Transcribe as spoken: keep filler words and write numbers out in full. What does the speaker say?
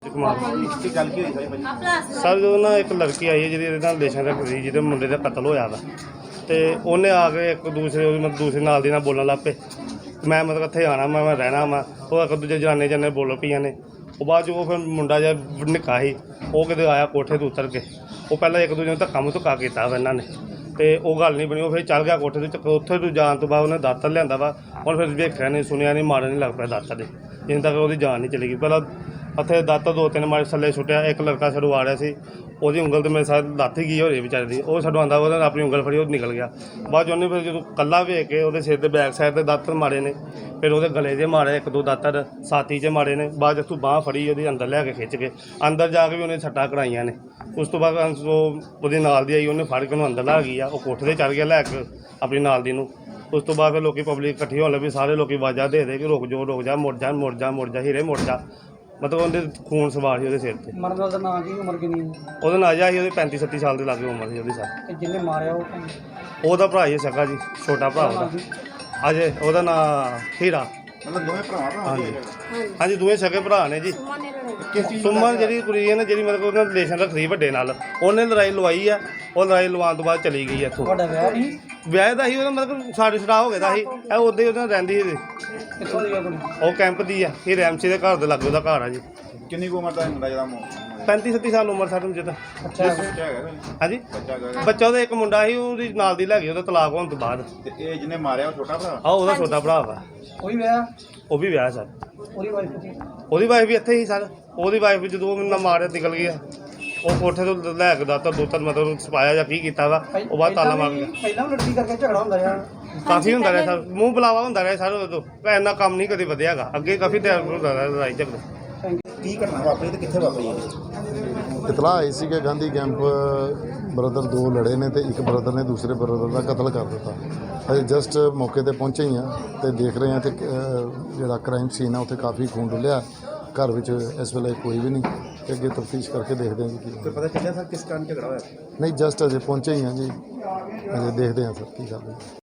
ਹਰਪ੍ਰੀਤ ਕੁਮਾਰ ਕੀ ਗੱਲ ਕੀ ਹੋਈ ਸਾਰੀ ਭਾਜੀ? ਸਰ ਜਦੋਂ ਨਾ ਇੱਕ ਲੜਕੀ ਆਈ ਹੈ ਜਿਹਦੀ ਇਹਦੇ ਨਾਲ ਰਿਲੇਸ਼ਨ ਰੱਖਦੀ, ਜਿਹਦੇ ਮੁੰਡੇ ਦਾ ਕਤਲ ਹੋਇਆ ਵਾ, ਤੇ ਉਹਨੇ ਆ ਕੇ ਇੱਕ ਦੂਸਰੇ ਉਹਦੀ ਮਤਲਬ ਦੂਸਰੇ ਨਾਲ ਦੀ ਨਾਲ ਬੋਲਣ ਲੱਗ ਪਏ। ਮੈਂ ਮਤਲਬ ਇੱਥੇ ਆਉਣਾ ਮੈਂ ਮੈਂ ਰਹਿਣਾ ਵਾ। ਉਹ ਇੱਕ ਦੂਜੇ ਜਨਾਨੇ ਜਨੇ ਬੋਲ ਪਈਆਂ ਨੇ। ਉਹ ਬਾਅਦ 'ਚ ਉਹ ਫਿਰ ਮੁੰਡਾ ਜਿਹਾ ਨਿੱਕਾ ਸੀ, ਉਹ ਕਿਤੇ ਆਇਆ ਕੋਠੇ ਤੋਂ ਉਤਰ ਕੇ। ਉਹ ਪਹਿਲਾਂ ਇੱਕ ਦੂਜੇ ਨੂੰ ਧੱਕਾ ਮੁ ਧੱਕਾ ਕੀਤਾ ਵਾ ਇਹਨਾਂ ਨੇ, ਤੇ ਉਹ ਗੱਲ ਨਹੀਂ ਬਣੀ। ਉਹ ਫਿਰ ਚੱਲ ਗਿਆ ਕੋਠੇ ਤੋਂ। ਉੱਥੇ ਤੋਂ ਜਾਣ ਤੋਂ ਬਾਅਦ ਉਹਨੇ ਦਾਤਰ ਲਿਆਂਦਾ ਵਾ। ਹੁਣ ਫਿਰ ਵੇਖਿਆ ਨਹੀਂ ਸੁਣਿਆ ਨਹੀਂ, ਮਾਰਨ ਨਹੀਂ ਲੱਗ ਪਿਆ ਦਾਤਰ ਦੇ, ਜਿੰਨ ਤੱਕ ਉਹਦੀ ਜਾਨ ਨਹੀਂ ਚਲੀ ਗਈ। ਪਹਿਲਾਂ ਉੱਥੇ ਦਾਤਰ ਦੋ ਤਿੰਨ ਮਾਰੇ ਥੱਲੇ ਸੁੱਟਿਆ। ਇੱਕ ਲੜਕਾ ਸਾਡੂ ਆ ਰਿਹਾ ਸੀ, ਉਹਦੀ ਉਂਗਲ ਤੇ ਮੇਰੇ ਸਾਥ ਲੱਥ ਹੀ ਗਈ ਹੋ ਰਹੀ ਵਿਚਾਰੇ ਦੀ। ਉਹ ਸਾਡੂ ਆਉਂਦਾ ਉਹਨੇ ਆਪਣੀ ਉਂਗਲ ਫੜੀ, ਉਹ ਨਿਕਲ ਗਿਆ। ਬਾਅਦ 'ਚ ਉਹਨੇ ਫਿਰ ਜਦੋਂ ਕੱਲਾ ਵੇਖ ਕੇ ਉਹਦੇ ਸਿਰ ਦੇ ਬੈਕ ਸਾਈਡ 'ਤੇ ਦਾਤਰ ਮਾਰੇ ਨੇ। ਫਿਰ ਉਹਦੇ ਗਲੇ 'ਚ ਮਾਰੇ ਇੱਕ ਦੋ ਦਾਤਰ, ਛਾਤੀ 'ਚ ਮਾਰੇ ਨੇ। ਬਾਅਦ 'ਚ ਤੂੰ ਬਾਂਹ ਫੜੀ ਉਹਦੀ, ਅੰਦਰ ਲੈ ਕੇ ਖਿੱਚ ਕੇ ਅੰਦਰ ਜਾ ਕੇ ਵੀ ਉਹਨੇ ਸੱਟਾਂ ਕਰਾਈਆਂ ਨੇ। ਉਸ ਤੋਂ ਬਾਅਦ ਉਹ ਉਹਦੇ ਨਾਲ ਦੀ ਆਈ, ਉਹਨੇ ਫੜ ਕੇ ਉਹਨੂੰ ਅੰਦਰ ਲਾ ਗਈ ਆ। ਉਹ ਕੋਠੇ 'ਤੇ ਚੜ੍ਹ ਗਿਆ ਲੈ ਕੇ ਆਪਣੀ ਨਾਲ ਦੀ ਨੂੰ। ਉਸ ਤੋਂ ਬਾਅਦ ਫਿਰ ਲੋਕੀ ਪਬਲਿਕ ਇਕੱਠੀ ਹੋਣ ਲੱਗੀ। ਸਾਰੇ ਲੋਕੀ ਆਵਾਜ਼ਾਂ ਦੇ ਦੇ ਕਿ ਰੁਕ ਜਾ ਰੁਕ ਜਾ, ਮੁੜ ਜਾ ਮੁੜ ਜਾ ਮੁੜ ਜਾ ਹੀਰੇ ਮੁੜ ਜਾ। ਮਤਲਬ ਉਹਦੇ ਖੂਨ ਸਵਾਰ ਸੀ ਉਹਦੇ ਸਿਰ ਤੇ। ਮਰਨ ਵਾਲਾ ਦਾ ਨਾਂ ਕੀ, ਉਮਰ ਕਿੰਨੀ? ਉਹਦਾ ਨਾਂ ਜਾ ਸੀ ਉਹਦੇ ਪੈਂਤੀ ਛੱਤੀ ਸਾਲ ਦੇ ਲਾਗੇ ਉਮਰ ਸੀ ਉਹਦੀ ਸਰ। ਤੇ ਜਿਹਨੇ ਮਾਰਿਆ ਉਹ ਕੌਣ? ਉਹਦਾ ਭਰਾ ਹੀ ਸਕਾ ਜੀ, ਛੋਟਾ ਭਰਾ ਉਹਦਾ ਅਜੇ। ਉਹਦਾ ਨਾਂ ਹੀਰਾ। ਮਤਲਬ ਦੋਵੇਂ ਭਰਾ ਭਰਾ ਹਾਂਜੀ ਹਾਂਜੀ, ਦੋਵੇਂ ਸਕੇ ਭਰਾ ਨੇ ਜੀ। ਕਿਸ ਚੀਜ਼ ਸੁਮਨ ਜਿਹੜੀ ਕੁੜੀ ਹੈ ਨਾ, ਜਿਹੜੀ ਮਤਲਬ ਉਹਨਾਂ ਰਿਲੇਸ਼ਨ ਰੱਖਦੀ ਵੱਡੇ ਨਾਲ, ਉਹਨੇ ਲੜਾਈ ਲਵਾਈ ਆ। ਉਹ ਲੜਾਈ ਲਵਾਉਣ ਤੋਂ ਬਾਅਦ ਚਲੀ ਗਈ ਇੱਥੋਂ। ਤੁਹਾਡਾ ਵਿਆਹ ਨਹੀਂ? ਵਿਆਹ ਦਾ ਸੀ ਉਹਦਾ, ਮਤਲਬ ਸਾਡੇ ਛੜਾ ਹੋ ਗਿਆ ਦਾ ਸੀ। ਇਹ ਉੱਦਾਂ ਹੀ ਉਹਦੇ ਨਾਲ ਰਹਿੰਦੀ ਸੀ। ਕਿੱਥੋਂ ਦੀ ਆ ਕੁੜੀ? ਉਹ ਕੈਂਪ ਦੀ ਆ, ਇਹ ਰੈਮਸੀ ਦੇ ਘਰ ਦੇ ਲਾਗੇ ਉਹਦਾ ਘਰ ਆ ਜੀ। ਕਿੰਨੀ ਕੁ ਉਮਰ ਦਾ ਮੁੰਡਾ ਜਿਹਦਾ ਮੋ ਪੈਂਤੀ ਛੱਤੀ ਸਾਲ ਉਮਰ ਸਾਡੇ ਮੁੰਡੇ ਦਾ। ਅੱਛਾ ਬੱਚਾ ਹੈਗਾ ਕੋਈ? ਹਾਂਜੀ, ਬੱਚਾ ਹੈਗਾ? ਬੱਚਾ ਉਹਦਾ ਇੱਕ ਮੁੰਡਾ ਸੀ, ਉਹਦੀ ਨਾਲ ਦੀ ਲੈ ਗਈ ਉਹਦਾ ਤਲਾਕ ਹੋਣ ਤੋਂ ਬਾਅਦ। ਤੇ ਇਹ ਜਿਹਨੇ ਮਾਰਿਆ ਉਹ ਛੋਟਾ ਭਰਾ? ਆ ਉਹਦਾ ਛੋਟਾ ਭਰਾ ਵਾ, ਕੋਈ ਵਿਆਹ? ਉਹ ਵੀ ਵਿਆਹ ਸਰ। ਉਹਦੀ ਵਾਈਫ ਕਿੱਥੇ? ਉਹਦੀ ਵਾਈਫ ਵੀ ਇੱਥੇ ਹੀ ਸਰ। ਉਹਦੀ ਵਾਈਫ ਜਦੋਂ ਮੈਨੂੰ ਮਾਰਿਆ ਨਿਕਲ ਗਿਆ। ਉਹ ਕੋਠੇ ਤੋਂ ਲੈ ਕੇ ਦਾਤਰ ਦੋ ਤਿੰਨ ਮਤਲਬ ਸਪਾਇਆ ਜਾਂ ਕੀ ਕੀਤਾ ਵਾ। ਉਹ ਬਾਅਦ ਤਾਲਾ ਮਾਰ ਗਿਆ। ਪਹਿਲਾਂ ਵੀ ਲੜਕੀ ਕਰਕੇ ਝਗੜਾ ਹੁੰਦਾ ਰਿਹਾ? ਕਾਫੀ ਹੁੰਦਾ ਰਿਹਾ ਸਰ, ਮੂੰਹ ਬੁਲਾਵਾ ਹੁੰਦਾ ਰਿਹਾ ਸਰ। ਉਦੋਂ ਇੰਨਾ ਕੰਮ ਨਹੀਂ ਕਦੇ ਵਧਿਆ ਹੈਗਾ। ਅੱਗੇ ਕਾਫੀ ਟਾਈਮ ਹੁੰਦਾ ਰਿਹਾ ਲੜਾਈ ਝਗੜੇ। ਕੀ ਘਟਨਾ ਵਾਪਰੀ ਤੇ ਕਿੱਥੇ ਵਾਪਰੀ ਹੈ? ਇਤਲਾਹ ਆਈ ਸੀ ਕਿ ਗਾਂਧੀ ਕੈਂਪ ਬ੍ਰਦਰ ਦੋ ਲੜੇ ਨੇ ਤੇ ਇੱਕ ਬ੍ਰਦਰ ਨੇ ਦੂਸਰੇ ਬ੍ਰਦਰ ਦਾ ਕਤਲ ਕਰ ਦਿੱਤਾ। ਅਸੀਂ ਜਸਟ ਮੌਕੇ ਤੇ ਪਹੁੰਚੇ ਹੀ ਹਾਂ ਤੇ ਦੇਖ ਰਹੇ ਹਾਂ ਤੇ ਜਿਹੜਾ ਕ੍ਰਾਈਮ ਸੀਨ ਆ ਉੱਥੇ ਕਾਫੀ ਖੂਨ ਡੁੱਲਿਆ। ਘਰ ਵਿੱਚ ਇਸ ਵੇਲੇ ਕੋਈ ਵੀ ਨਹੀਂ ਤੇ ਅੱਗੇ ਤਫਤੀਸ਼ ਕਰਕੇ ਦੇਖਦੇ ਹਾਂ ਜੀ ਕੀ ਕੋਈ ਪਤਾ ਚੱਲਿਆ ਸਰ ਕਿਸ ਕਾਰਨ ਝਗੜਾ ਹੋਇਆ? ਨਹੀਂ, ਜਸਟ ਅਜੇ ਪਹੁੰਚੇ ਹੀ ਹਾਂ ਜੀ, ਅਜੇ ਦੇਖਦੇ ਹਾਂ ਸਰ ਕੀ ਕਰਦੇ।